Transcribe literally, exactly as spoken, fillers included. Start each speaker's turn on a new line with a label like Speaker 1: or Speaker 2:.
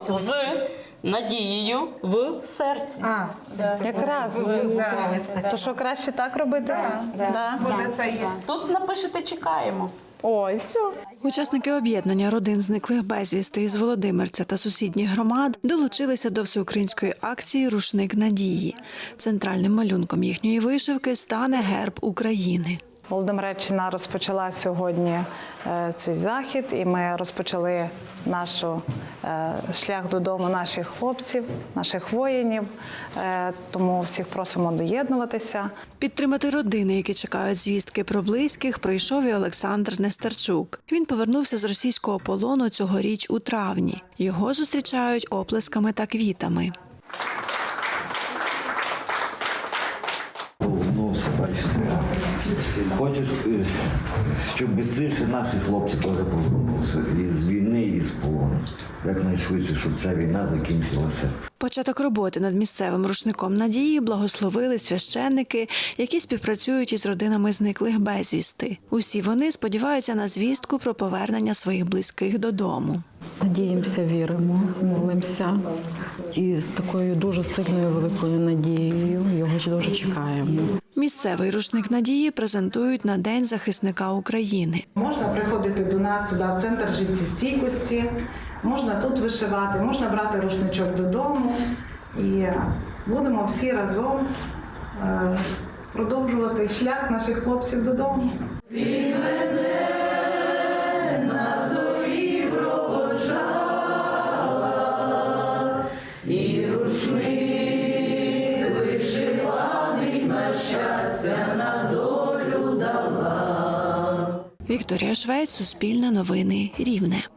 Speaker 1: З надією в серці.
Speaker 2: А,
Speaker 3: Якраз. То що, краще так робити?
Speaker 2: Да,
Speaker 3: Да. Да.
Speaker 2: буде це є.
Speaker 1: Тут напишете «Чекаємо».
Speaker 3: Ой, все.
Speaker 4: Учасники об'єднання родин зниклих безвісти із Володимирця та сусідніх громад долучилися до всеукраїнської акції «Рушник надії». Центральним малюнком їхньої вишивки стане герб України.
Speaker 3: Володимиреччина розпочала сьогодні е, цей захід, і ми розпочали наш е, шлях додому наших хлопців, наших воїнів. Е, тому всіх просимо доєднуватися.
Speaker 4: Підтримати родини, які чекають звістки про близьких, прийшов і Олександр Нестерчук. Він повернувся з російського полону цьогоріч у травні. Його зустрічають оплесками та квітами.
Speaker 5: Повернувся, бачите. Хочу, щоб швидше наші хлопці теж повернулися. І з війни, і з полону. Якнайшвидше, щоб ця війна закінчилася.
Speaker 4: Початок роботи над місцевим рушником надії благословили священники, які співпрацюють із родинами зниклих безвісти. Усі вони сподіваються на звістку про повернення своїх близьких додому.
Speaker 6: Надіємося, віримо, молимося і з такою дуже сильною великою надією його дуже чекаємо.
Speaker 4: Місцевий рушник надії презентують на День захисника України.
Speaker 2: Можна приходити до нас сюди, в центр життєстійкості, можна тут вишивати, можна брати рушничок додому. І будемо всі разом е, продовжувати шлях наших хлопців додому.
Speaker 1: І рушник вишиваний на щастя, на долю дала.
Speaker 4: Вікторія Швець, Суспільне новини, Рівне.